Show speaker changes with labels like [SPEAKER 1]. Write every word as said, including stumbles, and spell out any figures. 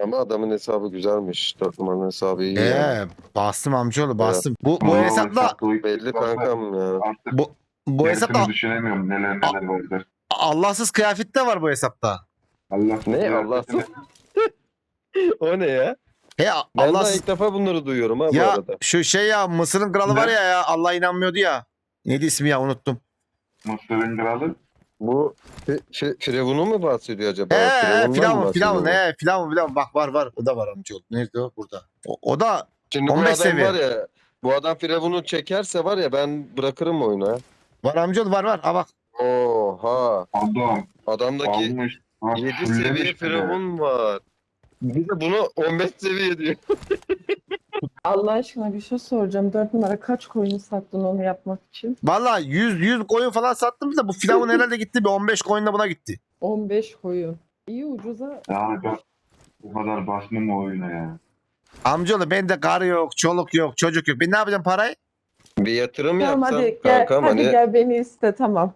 [SPEAKER 1] Ama adamın hesabı güzelmiş. Dört numaranın hesabı iyi yani.
[SPEAKER 2] Eee bastım amcaoğlu bastım. Bu bu
[SPEAKER 3] Vallahi
[SPEAKER 2] hesapla
[SPEAKER 3] hesapta o iki
[SPEAKER 1] Belli
[SPEAKER 3] varsa
[SPEAKER 1] kankam ya.
[SPEAKER 3] Artık
[SPEAKER 2] bu bu
[SPEAKER 3] gerisini
[SPEAKER 2] hesapta
[SPEAKER 3] düşünemiyorum neler
[SPEAKER 2] A-
[SPEAKER 3] neler vardır.
[SPEAKER 2] Allahsız kıyafet de var bu hesapta.
[SPEAKER 3] Allah
[SPEAKER 1] Ne Allahsız? O ne ya?
[SPEAKER 2] He
[SPEAKER 1] Ben daha
[SPEAKER 2] Allahsız.
[SPEAKER 1] ilk defa bunları duyuyorum ha bu
[SPEAKER 2] Ya
[SPEAKER 1] arada.
[SPEAKER 2] şu şey ya Mısır'ın kralı
[SPEAKER 3] Ne?
[SPEAKER 2] var ya ya Allah inanmıyordu ya. Neydi ismi ya unuttum.
[SPEAKER 3] Mısır'ın kralı.
[SPEAKER 1] Bu fi, fi, Firavun'u mu bahsediyor acaba?
[SPEAKER 2] He he
[SPEAKER 1] Firavun'dan mı
[SPEAKER 2] filan
[SPEAKER 1] bahsediyor
[SPEAKER 2] filan
[SPEAKER 1] bu?
[SPEAKER 2] he filan filan bak var var o da var amcaoğlu. Nerede o burada. O, o da
[SPEAKER 1] Şimdi bu
[SPEAKER 2] on beş
[SPEAKER 1] adam
[SPEAKER 2] seviye.
[SPEAKER 1] var ya, bu adam Firavun'u çekerse var ya ben bırakırım oyunu ha.
[SPEAKER 2] var amcaoğlu var var. Ha bak.
[SPEAKER 1] Oha.
[SPEAKER 3] Adam
[SPEAKER 1] Adamdaki
[SPEAKER 3] almış. Ha,
[SPEAKER 1] yedi
[SPEAKER 3] fullemiş
[SPEAKER 1] seviye
[SPEAKER 3] bile.
[SPEAKER 1] Firavun var. Bir de bunu on beş seviye diyor.
[SPEAKER 4] Allah aşkına bir şey soracağım. Dört numara kaç coin sattın onu yapmak için?
[SPEAKER 2] Valla yüz yüz koyun falan sattım da bu filavun herhalde gitti bir on beş koyun da buna gitti.
[SPEAKER 4] on beş koyun. İyi ucuza.
[SPEAKER 3] Yani ben bu kadar basmam o oyuna ya.
[SPEAKER 2] Amcaoğlu bende karı yok, çoluk yok, çocuk yok. Ben ne yapacağım parayı?
[SPEAKER 1] Bir yatırım
[SPEAKER 4] Tamam
[SPEAKER 1] yapsan
[SPEAKER 4] hadi gel,
[SPEAKER 1] kankam
[SPEAKER 4] hadi
[SPEAKER 1] hani
[SPEAKER 4] gel beni iste tamam.